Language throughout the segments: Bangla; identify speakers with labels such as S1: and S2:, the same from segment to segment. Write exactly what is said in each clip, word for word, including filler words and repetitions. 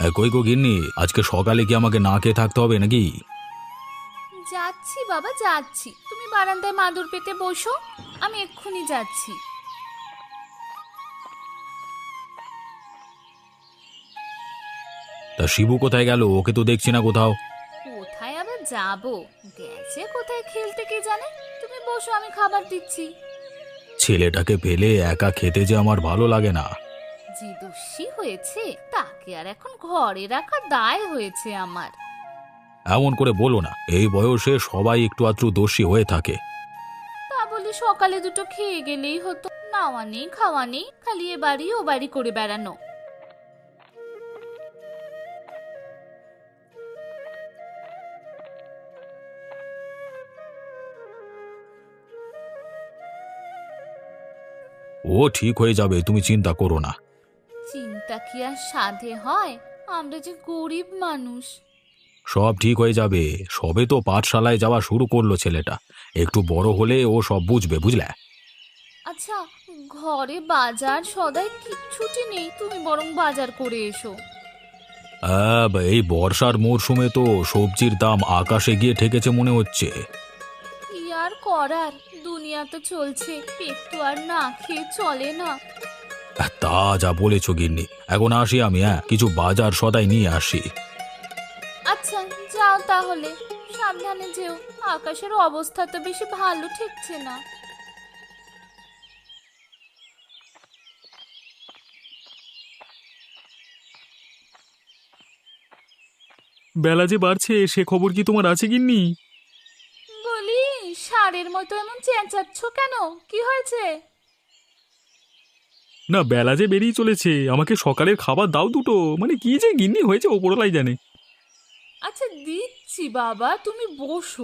S1: এ, কই গো গিন্নি, আজকে সকালে কি আমাকে না খেয়ে থাকতে হবে নাকি?
S2: যাচ্ছি বাবা যাচ্ছি, তুমি বারান্দায় মাদুর পেতে বসো, আমি এক্ষুনি যাচ্ছি।
S1: তা শিবু কোথায় গেল? ওকে তো দেখছি না কোথাও।
S2: কোথায় আবার যাবো, গেছে কোথায় খেলতে কে জানে। তুমি বসো, আমি খাবার দিচ্ছি।
S1: ছেলেটাকে ফেলে একা খেতে যে আমার ভালো লাগে না।
S2: যে দোষী হয়েছে তাকে আর এখন ঘরে রাখা দায় হয়েছে আমার।
S1: এমন করে বলো না, এই বয়সে সবাই একটু আধটু দোষী হয়ে থাকে।
S2: তা বলি সকালে দুটো খেয়ে গেলেই হতো, নাওয়া নেই খাওয়া নেই, খালি এ বাড়ি ও বাড়ি করে বেড়ানো।
S1: ও ঠিক হয়ে যাবে, তুমি চিন্তা করো না।
S2: চিন্তা কি আর সাধে হয়, আমরা যে গরিব মানুষ।
S1: সব ঠিক হয়ে যাবে। সবে তো পাঠশালায় যাওয়া শুরু করলো ছেলেটা, একটু বড় হলে ও সব বুঝবে, বুঝলে?
S2: আচ্ছা, ঘরে বাজার সদাই কিচ্ছুটি নেই, তুমি বরং বাজার করে এসো।
S1: আহ, এই বর্ষার মরশুমে তো সবজির দাম আকাশে গিয়ে ঠেকেছে মনে হচ্ছে।
S2: কি আর করার, দুনিয়া তো চলছে, পেট তো আর না খেয়ে চলে না।
S1: আহ, তা যা বলেছ গিন্নি, এখন আসি আমি, হ্যাঁ কিছু বাজার সদাই নিয়ে আসি।
S2: আচ্ছা যাও তাহলে, সাবধানে যেও, আকাশের অবস্থা তো বেশি ভালো ঠেকছে না।
S3: বেলা যে বাড়ছে সে খবর কি তোমার আছে গিন্নি?
S2: বলি, ষাঁড়ের মতো এমন চেঁচাচ্ছ কেন, কি হয়েছে?
S3: না, বেলা যে বেরিয়ে চলেছে, আমাকে সকালের খাবার দাও দুটো। মানে কি যে গিন্নি হয়েছে ওপরলাই জানে।
S2: আচ্ছা দিচ্ছি বাবা, তুমি বসো।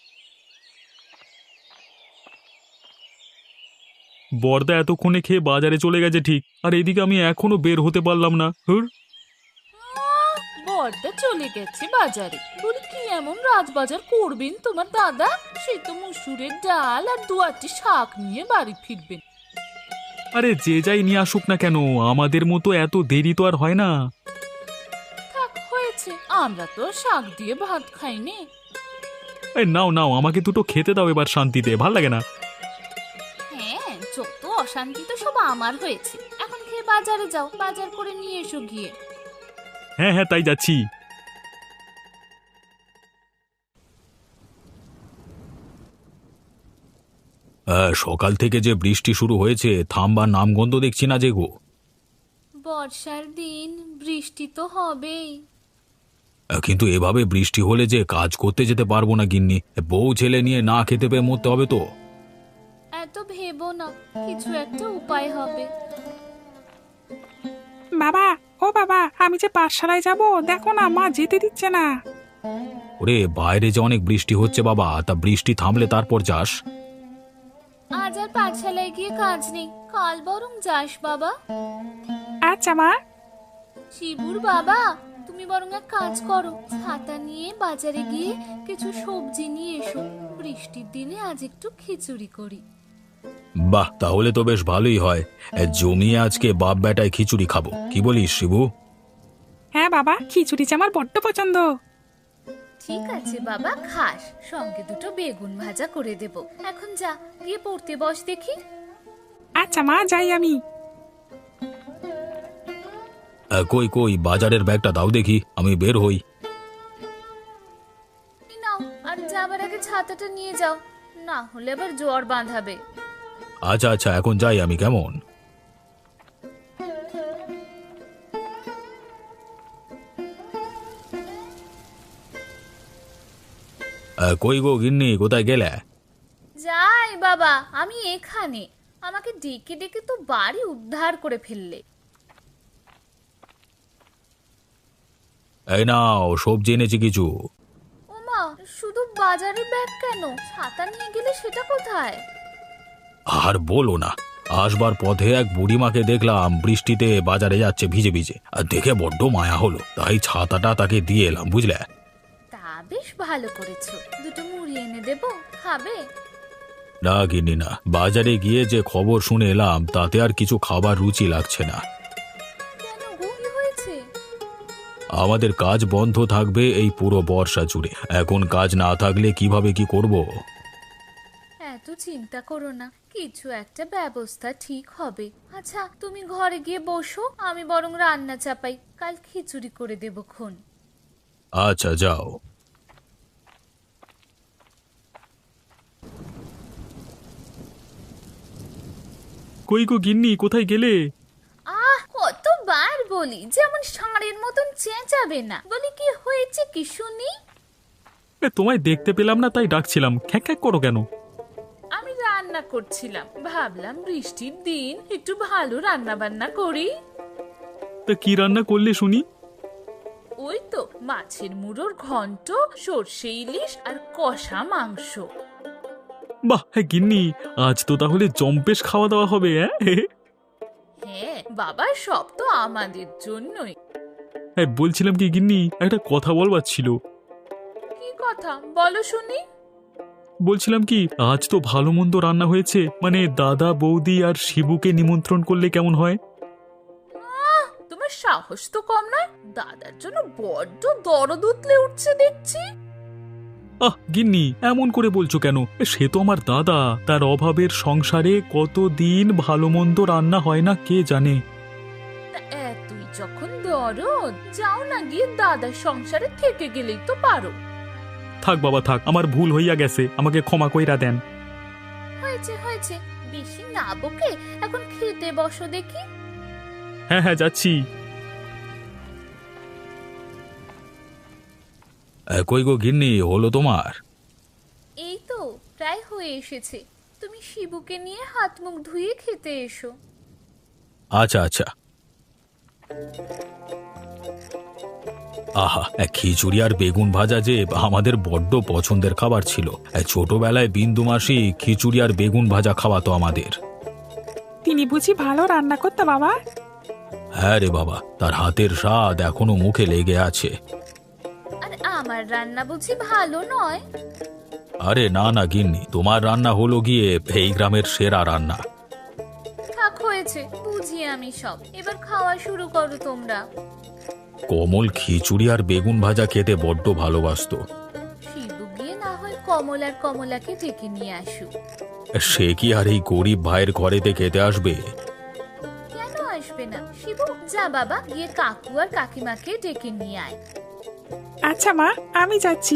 S3: বর্দা এতক্ষণে খেয়ে বাজারে চলে গেছে ঠিক, আর এদিকে আমি এখনো বের হতে পারলাম না। হুর।
S2: আহ, বড়দা চলে গেছে বাজারে, বলি কি এমন রাজবাজার করবেন তোমার দাদা? সেই তো মুসুরের ডাল আর দু আটটি শাক নিয়ে বাড়ি ফিরবেন।
S3: আরে যে যাই নিয়ে আসুক না কেন, আমাদের মতো এত দেরি তো আর হয় না।
S2: থাক হয়েছে, আমরা তো শাক দিয়ে ভাত খাইনি।
S3: এই নাও নাও, আমাকে দুটো খেতে দাও এবার শান্তিতে, ভাল লাগে না।
S2: হ্যাঁ, যত অশান্তি তো সব আমার হয়েছে। এখন খেয়ে বাজারে যাও, বাজার করে নিয়ে এসো গিয়ে।
S3: হ্যাঁ হ্যাঁ, তাই যাচ্ছি।
S1: আহ, সকাল থেকে যে বৃষ্টি শুরু হয়েছে, থামবার নামগন্ধ দেখছি না যে গো।
S2: বর্ষার দিন, বৃষ্টি তো হবেই।
S1: আহ, কিন্তু এভাবে বৃষ্টি হলে যে কাজ করতে যেতে পারবো না গিন্নি, বউ ছেলে নিয়ে না খেতে পেয়ে মরতে হবে তো।
S2: এত ভেবো না, কিছু একটা উপায় হবে।
S4: বাবা, ও বাবা, আমি যে পাঠশালায় যাব, দেখো না মা যেতে দিচ্ছে না।
S1: ওরে বাইরে যে অনেক বৃষ্টি হচ্ছে বাবা, তা বৃষ্টি থামলে তারপর যাস।
S2: আজ আর পাঠশালায় গিয়ে কাজ নেই, কাল বরং যাস বাবা।
S4: আচ্ছা মা।
S2: শিবুর বাবা, তুমি বরং এক কাজ করো, ছাতা নিয়ে বাজারে গিয়ে কিছু সবজি নিয়ে এসো, বৃষ্টির দিনে আজ একটু খিচুড়ি করি।
S1: বাহ, তাহলে তো বেশ ভালোই হয়। এ, জমিয়ে আজকে বাপ বেটায় খিচুড়ি খাবো, কি বলিস শিবু?
S4: হ্যাঁ বাবা, খিচুড়ি যে আমার বড্ড পছন্দ।
S2: ঠিক আছে বাবা, খাস, সঙ্গে দুটো বেগুন ভাজা করে দেব। এখন যা, গিয়ে পড়তে বস দেখি।
S4: আচ্ছা মা, যাই আমি।
S1: এ, কই কই বাজারের ব্যাগটা দাও দেখি, আমি বের হই।
S2: এই নাও, আর যাবার আগে ছাতাটা নিয়ে যাও, না হলে আবার জ্বর বাঁধাবে।
S1: আচ্ছা আচ্ছা, এখন যাই আমি, কেমন? এ, কই গো গিন্নি, কোথায় গেলে?
S2: যাই বাবা, আমি এখানে। আমাকে ডেকে ডেকে তো বাড়ি উদ্ধার করে ফেললে।
S1: এই নাও, সবজি এনেছি কিছু।
S2: ওমা, শুধু বাজারে ব্যাগ কেন, ছাতা নিয়ে গেলে সেটা কোথায়?
S1: আর বলো না, আসবার পথে এক বুড়িমাকে দেখলাম বৃষ্টিতে বাজারে যাচ্ছে ভিজে ভিজে, আর দেখে বড্ড মায়া হলো, তাই ছাতাটা তাকে দিয়ে এলাম, বুঝলে?
S2: তা বেশ ভালো করেছো, দুটো মুড়ি এনে দেবো, খাবে?
S1: না গিন্নি না, বাজারে গিয়ে যে খবর শুনে এলাম তাতে আর কিছু খাবার রুচি লাগছে না।
S2: কেন গো, কি হয়েছে?
S1: আমাদের কাজ বন্ধ থাকবে এই পুরো বর্ষা জুড়ে। এখন কাজ না থাকলে কিভাবে কি করব?
S2: এত চিন্তা করো না, কিছু একটা ব্যবস্থা ঠিক হবে। আচ্ছা তুমি ঘরে গিয়ে বসো, আমি বরং রান্না চাপাই, কাল খিচুড়ি করে দেবো খন।
S1: আচ্ছা যাও।
S3: কই গো গিন্নি, কোথায় গেলে?
S2: আহ কতবার বলি যেমন ষাঁড়ের মতন চেঁচাবে না। বলি কি হয়েছে কি শুনি?
S3: এ, তোমায় দেখতে পেলাম না তাই ডাকছিলাম, খ্যাক খ্যাক করো কেন?
S2: আমি রান্না করছিলাম, ভাবলাম বৃষ্টির দিন একটু ভালো রান্না বান্না করি।
S3: তা কি রান্না করলে শুনি?
S2: ওই তো মাছের মুড়োর ঘন্ট, সর্ষে ইলিশ আর কষা মাংস।
S3: বাহ, হ্যাঁ গিন্নি, আজ তো তাহলে জম্পেশ খাওয়া দাওয়া হবে। হ্যাঁ
S2: হ্যাঁ বাবা, সব তো আমাদের জন্যই।
S3: হ্যাঁ, বলছিলাম কি গিন্নি, একটা কথা বলবার ছিল।
S2: কি কথা বলো শুনি?
S3: বলছিলাম কি, আজ তো ভালো মন্দ রান্না হয়েছে, মানে দাদা বৌদি আর শিবুকে নিমন্ত্রণ করলে কেমন হয়?
S2: আহ, তোমার সাহস তো কম নয়। দাদার জন্য বড্ড দরদ উতলে উঠছে দেখছি।
S3: আহ গিন্নি, এমন করে বলছো কেন? এ, সে তো আমার দাদা, তার অভাবের সংসারে কতদিন ভালো মন্দ রান্না হয় না কে জানে।
S2: তা এতই যখন দরদ, যাও না গিয়ে দাদার সংসারে থেকে গেলেই তো পারো।
S3: থাক বাবা থাক, আমার ভুল হইয়া গেছে, আমাকে ক্ষমা কইরা দেন।
S2: হয়েছে হয়েছে, বেশি না বকে এখন খেতে বসো দেখি।
S3: হ্যাঁ হ্যাঁ যাচ্ছি।
S1: এ, কই গো গিন্নি, হলো তোমার?
S2: এই তো প্রায় হয়ে এসেছে, তুমি শিবুকে নিয়ে হাত মুখ ধুয়ে খেতে এসো।
S1: আচ্ছা আচ্ছা। আহা, এ, খিচুড়ি আর বেগুন ভাজা যে আমাদের বড্ড পছন্দের খাবার ছিল। এ, ছোটবেলায় বিন্দু মাসি খিচুড়ি আর বেগুন ভাজা খাওয়াতো আমাদের।
S4: তিনি বুঝি ভালো রান্না করতে বাবা?
S1: হ্যাঁ রে বাবা, তার হাতের স্বাদ এখনো মুখে লেগে আছে।
S2: আর আমার রান্না বুঝি ভালো নয়?
S1: আরে না না গিন্নি, তোমার রান্না হলো গিয়ে এই গ্রামের সেরা রান্না।
S2: থাক হয়েছে, বুঝি আমি সব। এবার খাওয়া শুরু করো তোমরা।
S1: কমল খিচুড়ি আর বেগুন ভাজা খেতে বড্ড ভালোবাসতো।
S2: শিবু গিয়ে না হয় কমল আর কমলাকে ডেকে নিয়ে আসুক।
S1: সে কি আর এই গরিব ভাইয়ের ঘরেতে খেতে আসবে?
S2: কেন আসবে না? শিবু যা বাবা, গিয়ে কাকু আর কাকিমাকে ডেকে নিয়ে আয়।
S4: আচ্ছা মা, আমি যাচ্ছি।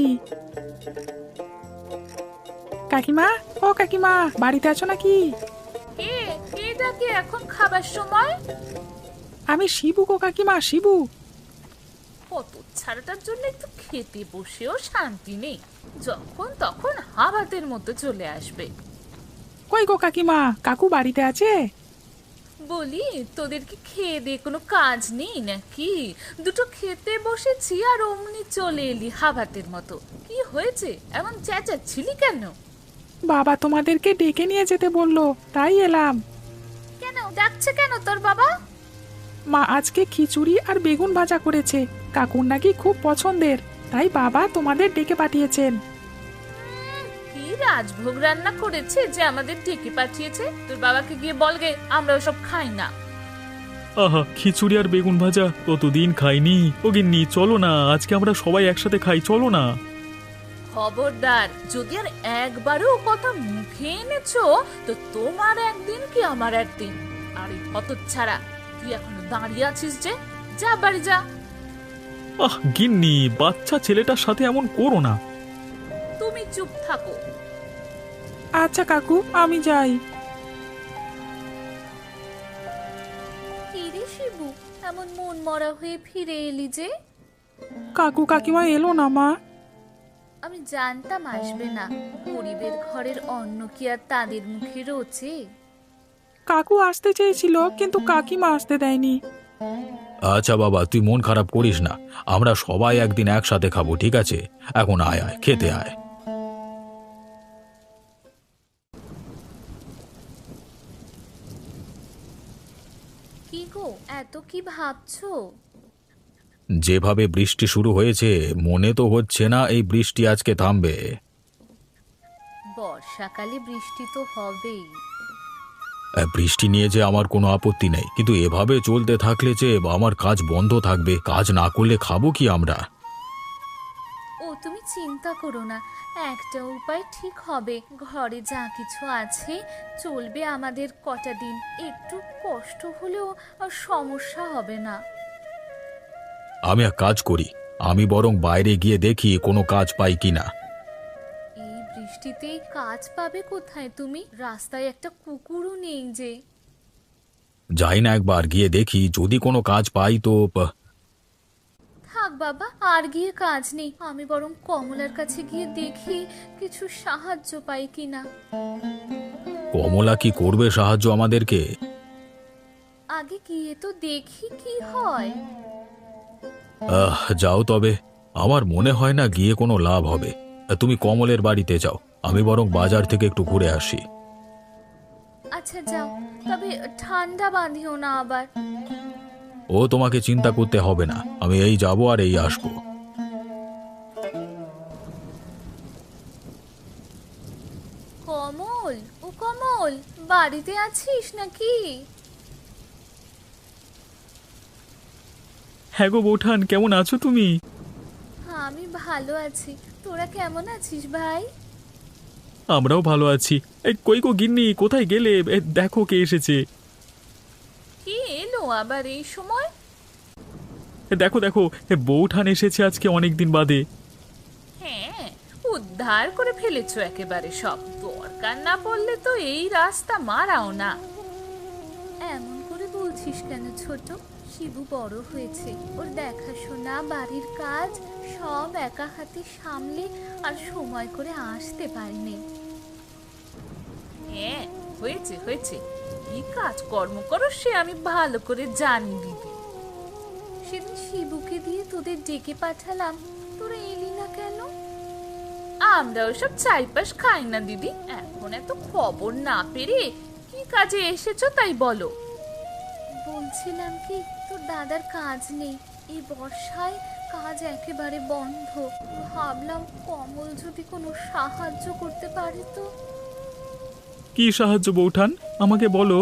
S4: কাকিমা, ও কাকিমা, বাড়িতে আছো নাকি?
S2: এ এটা কি এখন খাবার সময়?
S4: আমি শিবু গো কাকিমা, শিবু।
S2: কত ছাড়াটার জন্য একটু খেতে বসেও শান্তি নেই, যখন তখন হাবাতের মতো চলে আসবে।
S4: কই গো কাকিমা, কাকু বাড়িতে আছে?
S2: বলি তোদের কি খেয়ে দিয়ে কোনো কাজ নেই নাকি? দুটো খেতে বসেছি আর অমনি চলে এলি হাবাতের মতো। কি হয়েছে, এমন চেঁচাচ্ছিলি কেন?
S4: বাবা তোমাদেরকে ডেকে নিয়ে যেতে বললো, তাই এলাম।
S2: কেন ডাকছে কেন তোর বাবা?
S4: মা আজকে খিচুড়ি আর বেগুন ভাজা করেছে, কাকুর নাকি খুব পছন্দের, তাই বাবা তোমাদের ডেকে পাঠিয়েছেন।
S2: কি রাজভোগ রান্না করেছে যে আমাদের ডেকে পাঠিয়েছে? তোর বাবাকে গিয়ে বলগে আমরা ওসব খাই না।
S3: আহা, খিচুড়ি আর বেগুন ভাজা কতদিন খাইনি। ও গিন্নি চলো না, আজকে আমরা সবাই একসাথে খাই, চলো না।
S2: খবরদার, যদি আর একবারও ও কথা মুখে এনেছো তো তোমার একদিন কি আমার একদিন। আর এই হতচ্ছাড়া, তুই এখনো দাঁড়িয়ে আছিস যে? যা বাড়ি যা।
S3: আহ গিন্নি, বাচ্চা ছেলেটার সাথে এমন করো না।
S2: তুমি চুপ থাকো।
S4: আচ্ছা কাকু, আমি যাই।
S2: কি রে শিবু, এমন মন মরা হয়ে ফিরে এলি যে?
S4: কাকু কাকিমা এলো না মা?
S2: আমি জানতাম আসবে না। গরিবের ঘরের অন্ন কি আর তাদের মুখে রোচে?
S4: কাকু আসতে চেয়েছিল কিন্তু কাকিমা আসতে দেয়নি।
S1: আচ্ছা বাবা, তুই মন খারাপ করিস না, আমরা সবাই একদিন একসাথে খাবো, ঠিক আছে? এখন আয় আয়, খেতে আয়।
S2: কি গো, এত কি ভাবছো?
S1: যেভাবে বৃষ্টি শুরু হয়েছে, মনে তো হচ্ছে না এই বৃষ্টি আজকে থামবে।
S2: বর্ষাকালে বৃষ্টি তো হবেই।
S1: আহ, বৃষ্টি নিয়ে যে আমার কোনো আপত্তি নেই, কিন্তু এভাবে চলতে থাকলে যে আমার কাজ বন্ধ থাকবে, কাজ না করলে খাবো কি আমরা?
S2: ও তুমি চিন্তা করো না, একটা উপায় ঠিক হবে। ঘরে যা কিছু আছে চলবে আমাদের কটা দিন, একটু কষ্ট হলেও আর সমস্যা হবে না।
S1: আমি এক কাজ করি, আমি বরং বাইরে গিয়ে দেখি কোনো কাজ পাই কিনা।
S2: এই বৃষ্টিতে কাজ পাবে কোথায় তুমি? রাস্তায় একটা কুকুরও নেই যে।
S1: যাই না একবার গিয়ে দেখি, যদি কোনো কাজ পাই তো। আহ,
S2: থাক বাবা, আর গিয়ে কাজ নেই, আমি বরং কমলার কাছে গিয়ে দেখি কিছু সাহায্য পাই কিনা।
S1: কমলা কি করবে সাহায্য আমাদেরকে?
S2: আগে গিয়ে তো দেখি কি হয়।
S1: আহ যাও তবে, আমার মনে হয় না গিয়ে কোনো লাভ হবে। তুমি কমলের বাড়িতে যাও, আমি বরং বাজার থেকে একটু ঘুরে আসি।
S2: আচ্ছা যাও, তবে ঠান্ডা বাঁধিও না আবার।
S1: ও তোমাকে চিন্তা করতে হবে না, আমি এই যাব আর এই আসবো।
S2: কমল, ও কমল, বাড়িতে আছিস নাকি?
S3: হ্যাঁ গো বৌঠান, কেমন আছো তুমি?
S2: আমি ভালো আছি, তোরা কেমন আছিস ভাই?
S3: আমরাও ভালো আছি। এই কই গো গিন্নি, কোথায় গেলে? এ, দেখো কে এসেছে।
S2: কি এলো আবার এই সময়?
S3: এ, দেখো দেখো, এ, বৌঠান এসেছে আজকে অনেক দিন বাদে।
S2: হ্যাঁ, উদ্ধার করে ফেলেছো একেবারে সব। দরকার না পড়লে তো এই রাস্তা মারাও না। এমন করে বলছিস কেন ছোট? শিবু বড় হয়েছে, ওর দেখাশোনা, বাড়ির কাজ সব একা হাতে সামলে আর সময় করে আসতে পারেনি। হ্যাঁ, হয়েছে হয়েছে, কি কাজ কর্ম করো সে আমি ভালো করে জানি দিদি। সেদিন শিবুকে দিয়ে তোদের ডেকে পাঠালাম, তোরা এলি না কেন? আমরা ওসব চাইপাশ খাই না দিদি। এখন এত খবর না পেরে কি কাজে এসেছো তাই বলো। বলছিলাম কি, তোর দাদার কাজ নেই, এই বর্ষায় কাজ একেবারে বন্ধ। ভাবলাম কমল যদি কোনো সাহায্য করতে পারে তো।
S3: কি সাহায্য বৌঠান, আমাকে বলো।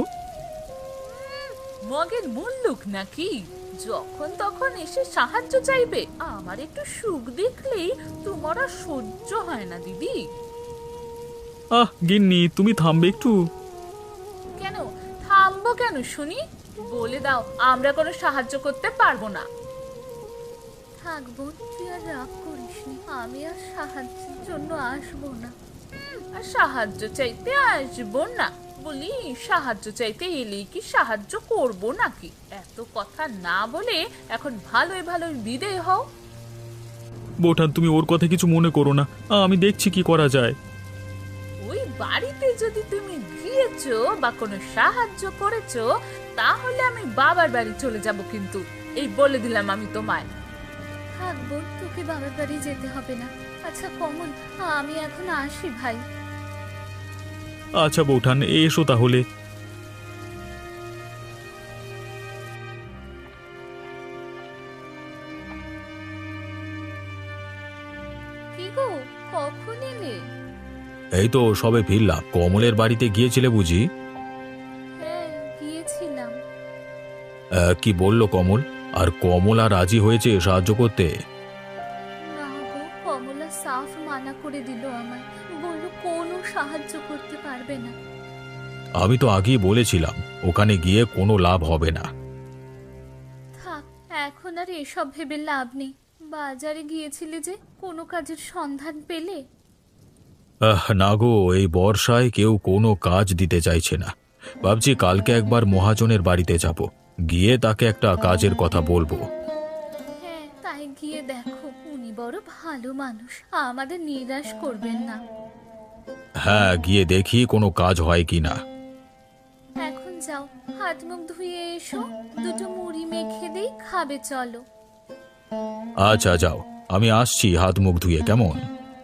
S2: মগের মুল্লুক নাকি, যখন তখন এসে সাহায্য চাইবে? আমার একটু সুখ দেখলেই তোমার আর সহ্য হয় না দিদি।
S3: আহ গিন্নি, তুমি থামবে একটু?
S2: কেন থামবো কেন শুনি? বলে দাও আমরা কোনো সাহায্য করতে পারবো না। থাকবো, তুই আর রাগ করিস নি, আমি আর সাহায্যের জন্য আসবো না। আর সাহায্য চাইতে আসবো না বলি, সাহায্য চাইতে এলেই কি সাহায্য করব নাকি? এত কথা না বলে এখন ভালোই ভালোই বিদেয় হও।
S3: বৌঠান, তুমি ওর কথা কিছু মনে করো না, আমি দেখছি কি করা যায়।
S2: ওই বাড়িতে যদি তুমি গিয়েছো বা কোনো সাহায্য করেছো, তাহলে আমি বাবার বাড়ি চলে যাব কিন্তু, এই বলে দিলাম আমি তোমায়। থাকবো, তোকে বাবার বাড়ি যেতে হবে না। আচ্ছা কমল, আমি এখন আসি ভাই।
S3: আচ্ছা বৌঠান, এসো তাহলে।
S2: কি গো, কখন এলে?
S1: এই তো সবে ফিরলাম। কমলের বাড়িতে গিয়েছিলে বুঝি?
S2: হ্যাঁ গিয়েছিলাম।
S1: আহ, কি বললো কমল? আর কমলা রাজি হয়েছে সাহায্য করতে?
S2: না গো, কমলা সাফ মানা করে দিল আমায়, বলল কোনো সাহায্য করতে পারবে না।
S1: আমি তো আগেই বলেছিলাম ওখানে গিয়ে কোনো লাভ হবে না।
S2: থাক, এখন আর এসব ভেবে লাভ নেই। বাজারে গিয়েছিলে যে, কোনো কাজের সন্ধান পেলে?
S1: আহ, না গো, এই বর্ষায় কেউ কোনো কাজ দিতে চাইছে না। ভাবছি কালকে একবার মহাজনের বাড়িতে যাব, গিয়ে তাকে একটা কাজের কথা বলবো।
S2: হ্যাঁ, তাই গিয়ে দেখো, উনি বড় ভালো মানুষ, আমাদের নিরাশ করবেন না।
S1: হ্যাঁ, গিয়ে দেখি কোনো কাজ হয় কি না।
S2: এখন যাও, হাত মুখ ধুয়ে এসো, দুটো মুড়ি মেখে দেই, খাবে চলো।
S1: আচ্ছা যাও, আমি আসছি হাত মুখ ধুয়ে, কেমন?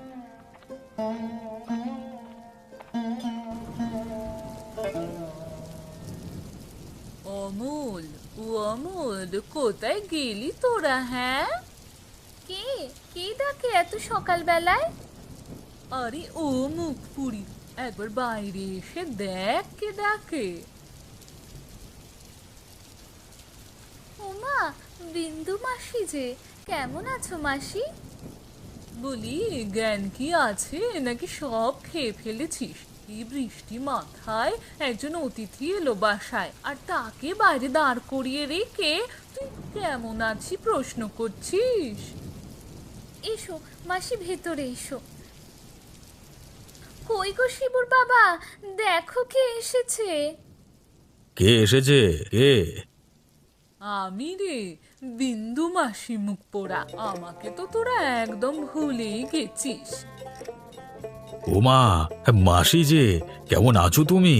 S2: অমূল, ও অমূল, কোথায় গেলি তোরা? হ্যাঁ, কে কে ডাকে এত সকাল বেলায়? আরে ও মুখ পুরি, একবার বাইরে এসে দেখ কে ডাকে।
S5: ওমা, বিন্দু মাসি যে, কেমন আছো মাসি?
S2: বলি, জ্ঞান কি আছে নাকি সব খেয়ে ফেলেছিস? এই বৃষ্টি মাথায় একজন অতিথি এলো বাসায়, আর তাকে বাইরে দাঁড় করিয়ে রেখে তুই কেমন আছি প্রশ্ন করছিস?
S5: এসো মাসি, ভেতরে এসো। কই গো শিবুর বাবা, দেখো কে এসেছে।
S1: কে এসেছে? কে?
S2: আমি রে, বিন্দু মাসি মুখ পোড়া। আমাকে তো তোরা একদম ভুলেই গেছিস।
S1: ওমা, মাসি যে, কেমন আছো তুমি?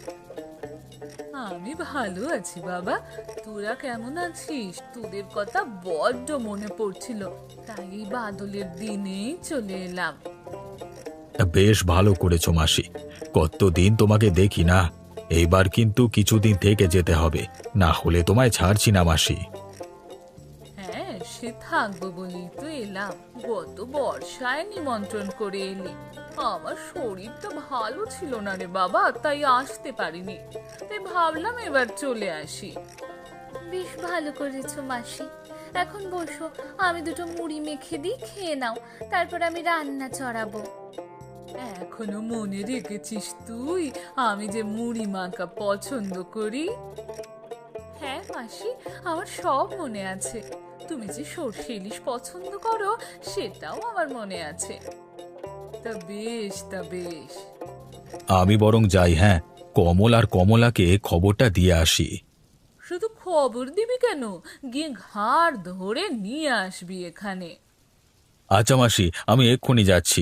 S2: আমি ভালো আছি বাবা, তোরা কেমন আছিস? তোদের কথা বড্ড মনে পড়ছিল, তাই এই বাদলের দিনেই চলে এলাম।
S1: বেশ ভালো করেছো মাসি, কতদিন তোমাকে দেখি না। এইবার কিন্তু কিছুদিন থেকে যেতে হবে, না হলে তোমায় ছাড়ছি না মাসি।
S2: হ্যাঁ, সে থাকবো বলেই তো এলাম। গত বর্ষায় নিমন্ত্রণ করে এলি। আমার শরীরটা ভালো ছিল না রে বাবা, তাই আসতে পারিনি। তাই ভাবলাম এবার চলে আসি।
S5: বেশ ভালো করেছো মাসি। এখন বসো, আমি দুটো মুড়ি মেখে দিই, খেয়ে নাও, তারপর আমি রান্না চড়াবো।
S2: এখনো মনে রেখেছিস তুই আমি যে মুড়ি মাখা পছন্দ করি? হ্যাঁ মাসি, আমার সব মনে আছে। তুমি যে সর্ষে ইলিশ পছন্দ করো সেটাও আমার মনে আছে। তা বেশ, তা বেশ।
S1: আমি বরং যাই, হ্যাঁ, কমল আর কমলাকে খবরটা দিয়ে আসি।
S2: শুধু খবর দিবি কেন, গিয়ে ঘাড় ধরে নিয়ে আসবি এখানে।
S1: আচ্ছা মাসি, আমি এক্ষুনি যাচ্ছি।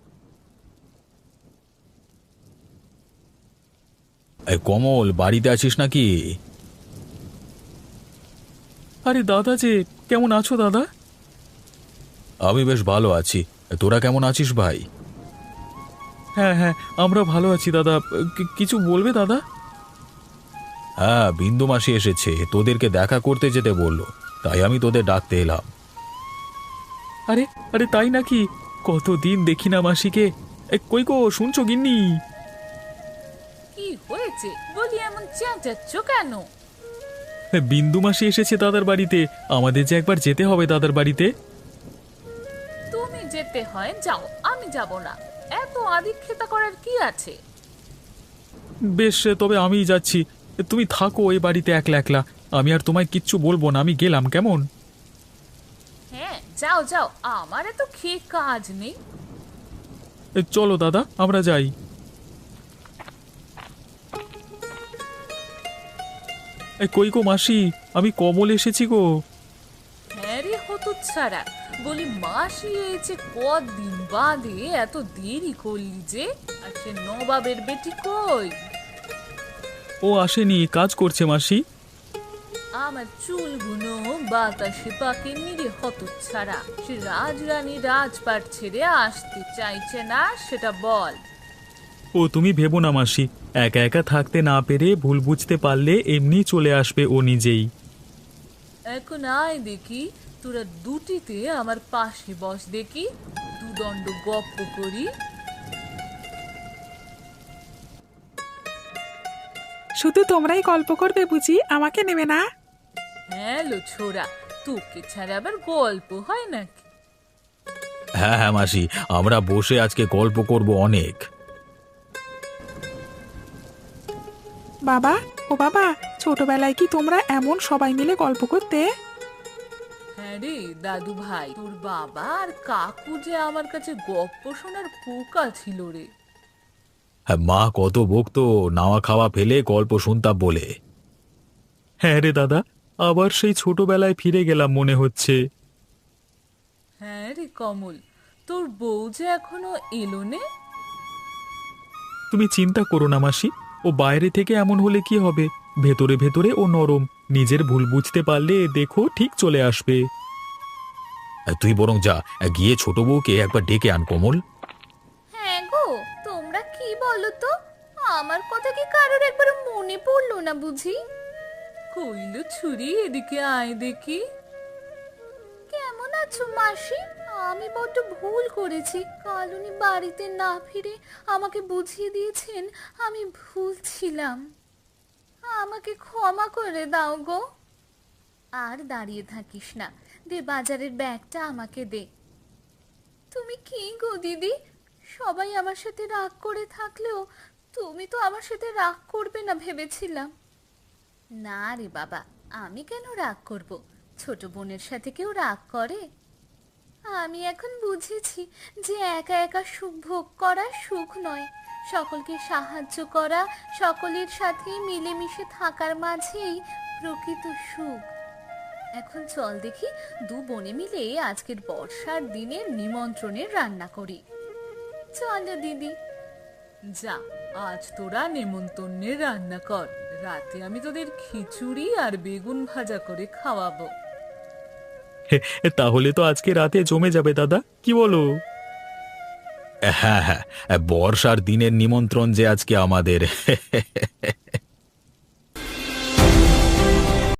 S1: এই কমল, বাড়িতে আছিস নাকি?
S3: আরে দাদা যে, কেমন আছো দাদা?
S1: আমি বেশ ভালো আছি, তোরা কেমন আছিস ভাই?
S3: হ্যাঁ হ্যাঁ, আমরা ভালো আছি দাদা। কি- কিছু বলবে দাদা?
S1: হ্যাঁ, বিন্দু মাসি এসেছে, তোদেরকে দেখা করতে যেতে বললো, তাই আমি তোদের ডাকতে এলাম।
S3: আরে আরে, তাই নাকি? কতদিন দেখি না মাসিকে। এ, কই গো, শুনছো গিন্নি?
S2: কি হয়েছে বলি, এমন চেঁচাচ্ছ কেন?
S3: এ, বিন্দু মাসি এসেছে দাদার বাড়িতে। আমাদের যে একবার যেতে হবে দাদার বাড়িতে।
S2: তুমি যেতে হয় যাও, আমি যাব না। এত আদিক্ষেতা করার কি আছে?
S3: বেশ, তবে আমিই যাচ্ছি। তুমি থাকো এই বাড়িতে একলা একলা। আমি আর তোমায় কিচ্ছু বলবো না, আমি গেলাম, কেমন?
S2: হ্যাঁ যাও যাও, আমার এত খেয়ে কাজ নেই।
S3: এ, চলো দাদা, আমরা যাই। এ, কই গো মাসি, আমি কমল এসেছি গো।
S2: হ্যাঁ রে হতচ্ছাড়া, বলি মাসি এসে কদিন বাদে এত দেরি করলি যে? আর সে নবাবের বেটি কই?
S3: ও আসেনি, কাজ করছে মাসি।
S2: আমার চুলগুলো বাতাসে পাকেনি রে হতচ্ছাড়া। সে রাজরানী রাজপাট ছেড়ে আসতে চাইছে না, সেটা বল।
S3: ও তুমি ভেবো না মাসি, একা একা থাকতে না পেরে ভুল বুঝতে পারলে এমনি চলে আসবে ও নিজেই।
S2: এখন আয় দেখি, তোরা দুটিতে আমার পাশে বস দেখি, দুদণ্ড গপ্প করি।
S4: শুধু তোমরাই গল্প করবে বুঝি, আমাকে নেবে না?
S2: হ্যাঁ লো ছোড়া, তোকে ছাড়া আবার গল্প হয় নাকি?
S1: হ্যাঁ হ্যাঁ মাসি, আমরা বসে আজকে গল্প করব অনেক।
S4: বাবা, ও বাবা, ছোটবেলায় কি তোমরা এমন সবাই মিলে গল্প করতে?
S2: হ্যাঁ রে দাদু ভাই, তোর বাবা আর কাকু যে আমার কাছে গপ্প শোনার পোকা ছিল রে।
S1: হ্যাঁ, মা কত বকতো নাওয়া খাওয়া ফেলে গল্প শুনতাম বলে।
S3: হ্যাঁ রে দাদা, আবার সেই ছোটবেলায় ফিরে গেলাম মনে হচ্ছে।
S2: হ্যাঁ রে কমল, তোর বউ যে এখনো এলো নে?
S3: তুমি চিন্তা করো না মাসি, ও বাইরে থেকে এমন হলে কি হবে, ভেতরে ভেতরে ও নরম। নিজের ভুল বুঝতে পারলে দেখো ঠিক চলে আসবে।
S1: তুই বরং যা, গিয়ে ছোট বউকে একবার ডেকে আন কমল।
S5: হ্যাঁ গো, তোমরা কি বলো তো, আমার কথা কি কারোর একবার মনে পড়লো না বুঝি?
S2: কইল ছুরি, এদিকে আয় দেখি।
S5: কেমন আছো মাসি? আমি বড্ড ভুল করেছি। কাল উনি বাড়িতে না ফিরে আমাকে বুঝিয়ে দিয়েছেন আমি ভুল ছিলাম। আমাকে ক্ষমা করে দাও গো। আর দাঁড়িয়ে থাকিস না, দে বাজারের ব্যাগটা আমাকে দে। তুমি কি গো দিদি, সবাই আমার সাথে রাগ করে থাকলেও তুমি তো আমার সাথে রাগ করবে না ভেবেছিলাম। না রে বাবা, আমি কেন রাগ করব? ছোট বোনের সাথে কেউ রাগ করে? আমি এখন বুঝেছি যে একা একা সুখ ভোগ করা সুখ নয়, সকলকে সাহায্য করা, সকলের সাথে মিলেমিশে থাকার মাঝেই প্রকৃত সুখ। এখন চল দেখি দু বোনে মিলে আজকের বর্ষার দিনের নিমন্ত্রণের রান্না করি। চলো দিদি।
S2: যা, আজ তোরা নেমন্তন্নের রান্না কর, রাতে আমি তোদের খিচুড়ি আর বেগুন ভাজা করে খাওয়াবো।
S3: তাহলে তো আজকে রাতে জমে যাবে দাদা, কি বলো?
S1: হ্যাঁ হ্যাঁ, বর্ষার দিনের নিমন্ত্রণ যে আজকে আমাদের।